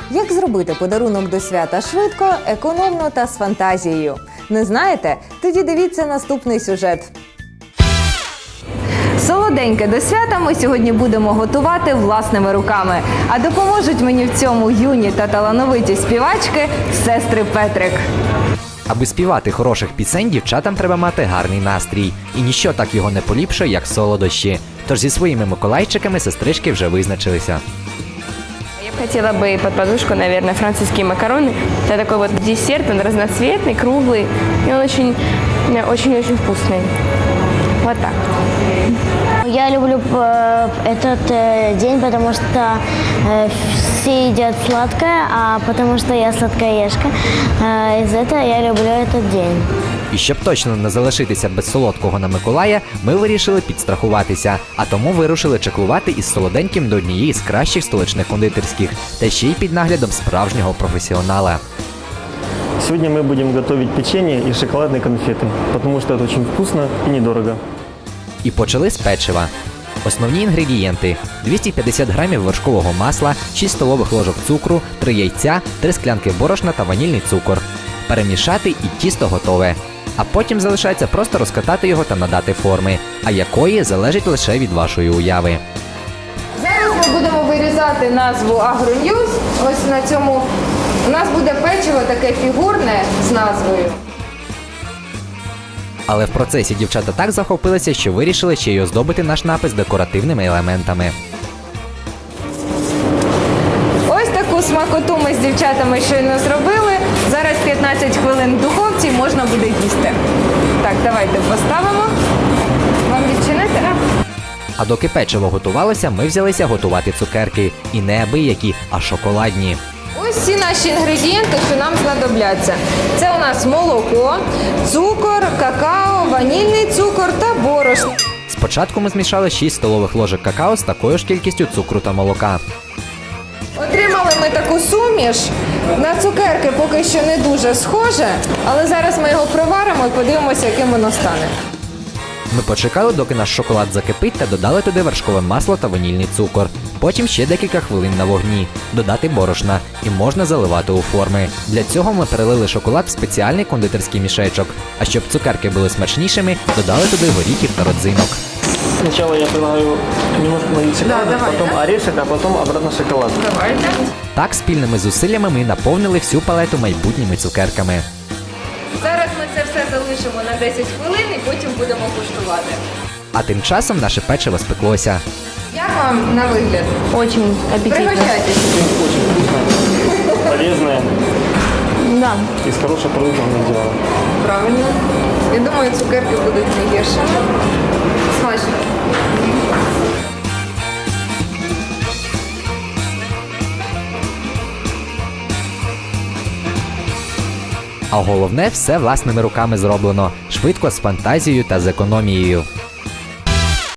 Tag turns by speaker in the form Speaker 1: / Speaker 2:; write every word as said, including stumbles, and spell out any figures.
Speaker 1: Як зробити подарунок до свята швидко, економно та з фантазією? Не знаєте? Тоді дивіться наступний сюжет. Солоденьке до свята ми сьогодні будемо готувати власними руками. А допоможуть мені в цьому юні та талановиті співачки сестри Петрик.
Speaker 2: Аби співати хороших пісень, дівчатам треба мати гарний настрій. І ніщо так його не поліпшує, як солодощі. Тож зі своїми миколайчиками сестрички вже визначилися.
Speaker 3: Я бы хотела бы под подушку, наверное, французские макароны. Это такой вот десерт, он разноцветный, круглый, и он очень, очень-очень вкусный. Вот так.
Speaker 4: Я люблю э, этот э, день, потому что э, все едят сладкое, а потому что я сладкоежка. Э, из-за этого я люблю этот день.
Speaker 2: І щоб точно не залишитися без солодкого на Миколая, ми вирішили підстрахуватися, а тому вирушили чеклувати із солоденьким до однієї з кращих столичних кондитерських, та ще й під наглядом справжнього професіонала.
Speaker 5: Сегодня мы будем готовить печенье и шоколадные конфеты, потому что это очень вкусно и недорого.
Speaker 2: І почали з печива. Основні інгредієнти – двісті п'ятдесят грамів вершкового масла, шість столових ложок цукру, три яйця, три склянки борошна та ванільний цукор. Перемішати і тісто готове. А потім залишається просто розкатати його та надати форми, а якої залежить лише від вашої уяви.
Speaker 1: Зараз ми будемо вирізати назву Агроньюз. Ось на цьому у нас буде печиво таке фігурне з назвою.
Speaker 2: Але в процесі дівчата так захопилися, що вирішили ще й оздобити наш напис декоративними елементами.
Speaker 1: Ось таку смакоту ми з дівчатами щойно зробили. Зараз п'ятнадцять хвилин в духовці можна буде їсти. Так, давайте поставимо. Вам відчинити?
Speaker 2: А доки печиво готувалося, ми взялися готувати цукерки. І не абиякі, а шоколадні.
Speaker 1: Ось всі наші інгредієнти, що нам знадобляться. Це у нас молоко, цукор, какао, ванільний цукор та борошно.
Speaker 2: Спочатку ми змішали шість столових ложок какао з такою ж кількістю цукру та молока.
Speaker 1: Отримали ми таку суміш. На цукерки поки що не дуже схоже, але зараз ми його проваримо і подивимося, яким воно стане.
Speaker 2: Ми почекали, доки наш шоколад закипить, та додали туди вершкове масло та ванільний цукор. Потім ще декілька хвилин на вогні. Додати борошна. І можна заливати у форми. Для цього ми перелили шоколад в спеціальний кондитерський мішечок. А щоб цукерки були смачнішими, додали туди горіхів та родзинок.
Speaker 5: Сначала я предлагаю немножко налить шоколада,
Speaker 1: Да, давай,
Speaker 5: потом
Speaker 1: да?
Speaker 5: орешек, а потом обратно шоколад.
Speaker 1: Давайте.
Speaker 2: Так, спільними зусиллями ми наповнили всю палету майбутніми цукерками.
Speaker 1: Зараз ми це все залишимо на десять хвилин і потім будемо куштувати.
Speaker 2: А тим часом наше печиво спеклося.
Speaker 1: Як вам на вигляд?
Speaker 3: Очень аппетитно.
Speaker 1: Пригощайтесь.
Speaker 5: Очень вкусно, полезное,
Speaker 3: Да.
Speaker 5: из хорошего продукта мы сделали.
Speaker 1: Правильно. Я думаю, цукерки будуть не гірше. Смачно.
Speaker 2: А головне, все власними руками зроблено. Швидко, з фантазією та з економією.